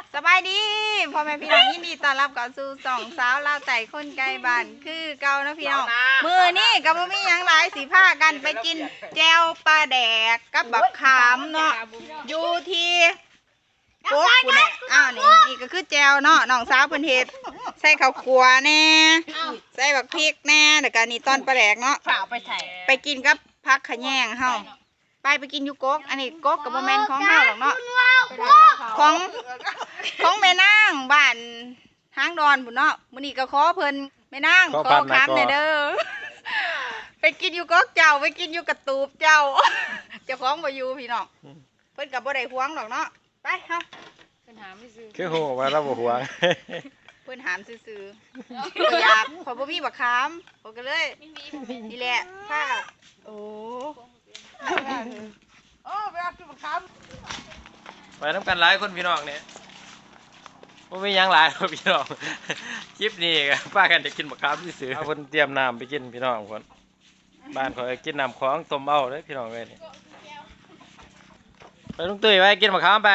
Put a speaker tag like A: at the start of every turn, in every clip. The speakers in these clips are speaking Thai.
A: สบายดีพ่อแม่พี่น้องยินดีต้อนรับเข้าสู่สองสาวลาวไต่คนไกลบ้านคือเก่านะพี่น้องมือนี่กับบ่มีหยังหลายสิพากันไปกินแจ่วปลาแดกกับบักขามเนาะอยู่ที่โป๊กกูเนี่ยนี่ก็คือแจ่วเนาะน้องสาวเพิ่นเฮ็ดใส่ข้าวคั่วแน่ใส่บักพริกแน่แล้วก็นี่ตอนปลาแดกเนาะไปกินกับผักขะแยงเฮาไปกินอยู่กกอันนี้กกกับบ่แม่นของเฮาหรอกเนาะของแม่นางบ้านทางดอนพุ่นเนาะมื้อนี้ก็ขอเพิ่นแม่นางขอคำหน่อยเด้อไปกินอยู่กกเจ้าไปกินอยู่กระตูบเจ้าเจ้าของบ่อยู่พี่น้องเพิ่นก็บ่ได้หวงดอกเนาะไปเฮาเพิ่นหามซื่อ
B: คือโหว่าเราบ่หวง
A: เพิ่นหามซื่อๆก็อยากขอบ่มีบักขามผมก็เลยนี่แหละถ้าโอ้ไปเอากินบักขาม
B: ไปน้ำกันหลายคนพี่น้องเนี่ยบ่มีหยังหลายพี่น้องคลิปนี้ก็ป้ากันจะกินบักขามซื่อเอาเพิ่นเตรียมน้ำไปกินพี่น้องเพิ่นบ้านเขากินน้ำของต้มเอาเด้อพี่น้องเอ้ยนี่ไปลุงตุ้ยไปกินบักขามไป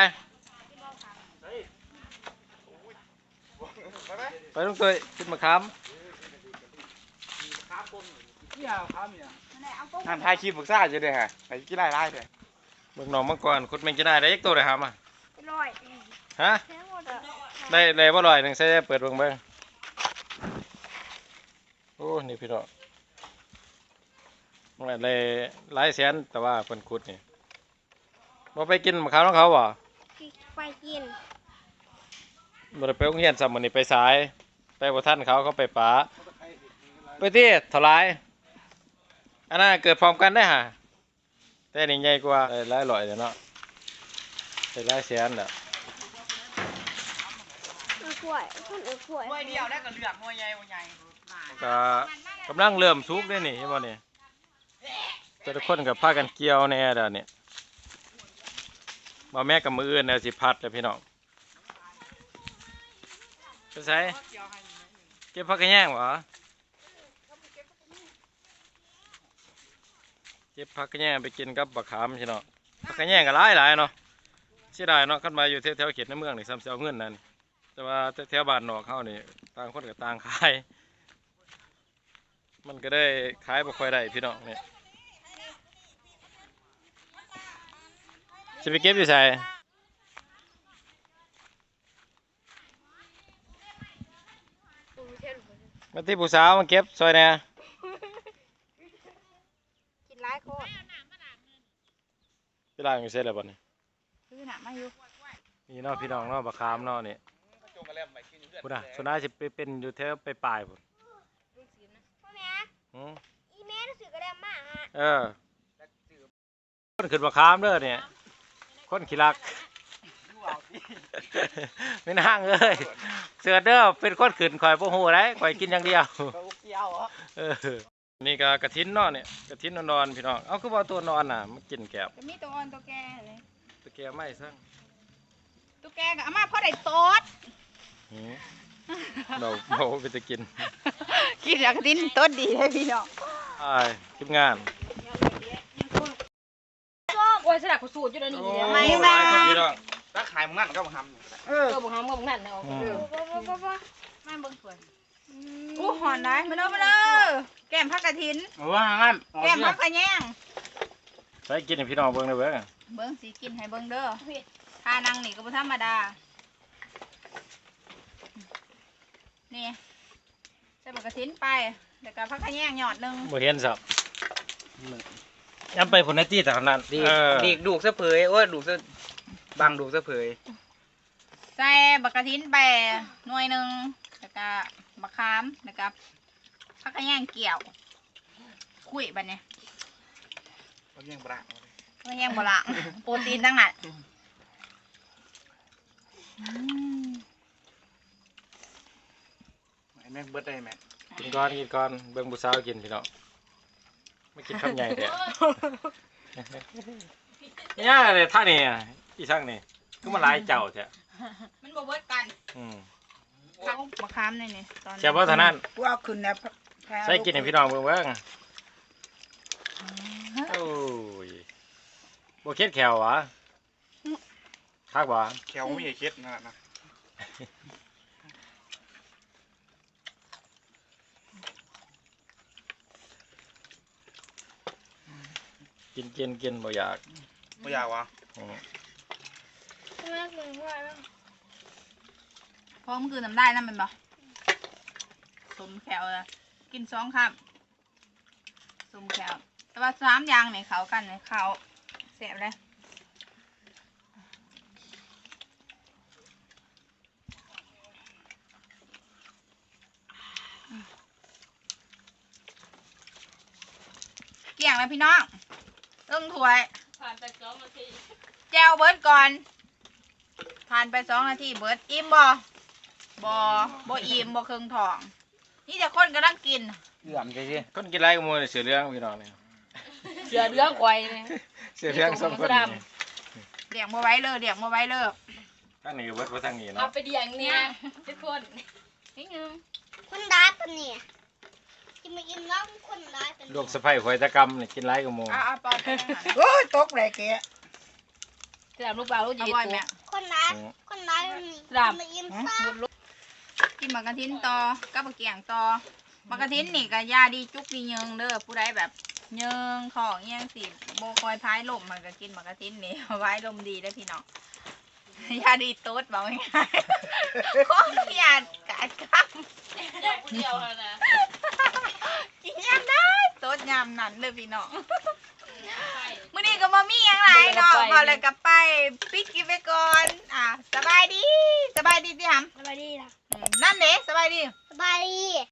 B: ลุงตุ้ยกินบักขาม
C: ท่านถ่ายคลิปฝึกซ่าอยู่เด้อฮะไปกินได้เด้อ
B: เบิ่งน้องมังกรขุดแมงจะได้ยักตัวเลยครับอ่ะฮะได้บ่ลอยหนึ่งใส่เปิดเบิ่งโอ้นี่พี่น้องมันได้หลายแสนแต่ว่าเพิ่นขุดนี่บ่ไปกินมะขามของเขาบ่
D: ไปกิน
B: บ่ได้ไปโรงเรียนซ้ำมื้อนี้ไปสายไปบ่ทันเขาไปป๋าไปที่เท่าไรอันนั้นเกิดพร้อมกันได้ฮะแต่นี่ใหญ่กว่าหลายร้อยเนาะได้หลายแสนน่ะ
D: กล้วยต้นกล้วย
A: เดียวได้ก็เหลือกมวยใหญ่
B: ก็กำลังเริ่มสุกได้นี่เห็นบ่นี่แต่ทุกคนกับพากันเกี่ยวแน่เด้อนี่บ่แม่กับมืออื่นแล้วสิพัดแล้วพี่น้องไปใส่เก็บผักกระแยงบ่เก็บผักกระแยงไปกินกับบักขามพี่น้องผักกระแยงก็หลายเนาะเสียดายเนาะคันมาอยู่แถวเขตในเมืองนี่ซ้ำสิเอาเงินนั่นแต่ว่าแถวบ้านนอกเฮานี่ต่างคนก็ต่างขายมันก็ได้ขายบ่ค่อยได้พี่น้องนี่สิไปเก็บอยู่ไสมาที่ผู้สาวมาเก็บซอยแหน่
A: กินหลายโคตร
B: พี่ล้างอยู่เสร็จแล้วบ่นี่
A: คือน่ะมาอยู่
B: นี่เนาะพี่น้องเนาะบักขามเนาะนี่พุ่นน่ะส่วนน่าสิไปเป็นอยู่แถวไปปลายพุ่น
D: พ่อแม่อีแม่รู้สึกกระเด็นมากฮะ
B: คนขึ้นบักขามเด้อเนี่ยคนขี้รักไม่นั่งเลยเสือเด้อเป็นคนขึ้นข่อยบ่ฮู้ได้ข่อยกินอย่างเดียวนี่ก็กระถินเนาะเนี่ยกระถินนอนๆพี่น้องเอาคือว่าตัวนอนน่ะมันกินแกบ
A: จะมีตัวอ่อนตัวแก่เลย
B: ตัวแกไม่ซั่ง
A: ตัวแก่ก็เอามาพอได้โตด
B: เราไปจะกิน
A: กินอย่างดิ้นต้นดีเลยพี่น้อง
B: ทีมงาน
D: โอ้ยสลักกูสูตรอยู่แล้วนี่
A: ไม่แม่
C: ถ้าขายมึงนั่นก็มึงทำ
D: มึงทำก็มึงนั่นเนาะ
A: แม่เบิ่งสวยกูหอนได้มาเด้อแก้มผักกระถิน
C: ว่างั้น
A: แก้มผักกระแยง
B: ใส่กินให้พี่น้องเบิ่งได้เ
A: บิ่งสิกินให้เบิ่งเด้อทานังนี่ก็บ่ธรรมดานี่ใส่ผักกระถินไปแล้วก็ผักกระแยงหยอดนึง
B: บ่เห็นสับย้ำไปผลนาทีแต่นั้น
C: ดีกดูกซะเผยโอ้ยดูกซะบังดูกซะเผย
A: ใส่บักกระถินไปหน่วยนึงแล้วก็มะขามแล้วก็ผักกระแยงเกี่ยวคุยบัดนี้
C: ผักแยงบะ
A: ผักแยงบะโปรตีนทั้งนั้น
C: แม่เบิดได้แม่
B: กินก่อนเบิ่งผู้สาวกินพี่น้องไม่กินคำใหญ่เด้อเนี่ยเลยท่านี่อีช่างนี่คือมันหลายเจ้าแท้
A: มันบ่เบิดกันผักมะขามนี่ตอน
B: แค่ว่าเท่านั้น
A: ว่าขึ้นแล้ว
B: ใส่กินให้พี่น้องเบิ่งโอ้ยบ่เค็ดแขววะคักบ่
C: แขวไม่ใช่เค็ดนะ
B: กินบ่อยาก
C: ไม่อยากวะ
B: อืม
D: ทำไมถึงว่าแล้ว
A: เพราะมันคือน้ำได้นั่นเป็นบ่สมแขวเลยกิน2 คำสมแขวแต่ว่า3อย่างเนี่ยเขากันเนี่ยเขาแซ่บเลยเกี่ยงเลยพี่น้องต้องถ้วย
E: ผ่านไป2 นาที
A: แจวเบิร์ดก่อน ผ่านไป2 นาทีเบิร์ดอิ่มบ่อิ่มบ่เครื่องทอง นี่จะคนกำลังกิน
C: เหลื่อมใช่สิ
B: คนกินไรกับหมูนี่เสือเรื่องพี่น้องนี่
E: เสือเรื่องควายเลย
B: เสือเรื่องสองคนนี่
A: เลี้ยงบ่ไว้เลยเลี้ยงบ่ไว้เลย
B: ทั้งนี้เบิดว่าทั้งนี้
E: เอา
B: เนาะ
E: ไปเดียงเนี่ยทุกคน
A: นิดนึง
D: คนร้ายปะเนี่ยกินมากินน้องคนร้ายปะ
B: ลู
D: เนี่ย
B: กสะใภ้ข่อยตะกรรมนี่กินไรกับหมู
A: เอาปอนไปนั่งหานะโอ้ยตกเลยเกะ
E: สามลูกเปล่าลูก
A: เอา
E: ยี
A: บ่อย
E: ตัว
A: แม่
D: คนร้ายคนร้ายปะเนี่ยกินมากินซ่า
A: กินหมากกระทินต่อกับมะเกียงต่อหมากกระทินนี่ก็ยาดีจุกดีเยิงเด้อผู้ใดแบบเยิงของเยิงสิโบคอยพายลมมันก็กินหมากกระทินนี่ ไว้ลมดีได้อพี่น้อง ยาดีตุ๊ดบอกง่ายๆของยาดกาดกำ
E: อย่างผู้เดียวแล้วนะ
A: กินยามได้ตุ๊ดยามนั้นเลยพี่น้องมื้อนี้ก็บ่มีหยังหลายเนาะพอเลยก็ไปปิดกินไปก่อนสบายดีสิหำ
D: สบายดีล่ะ
A: นั่นเด้สบายดี
D: สบายดี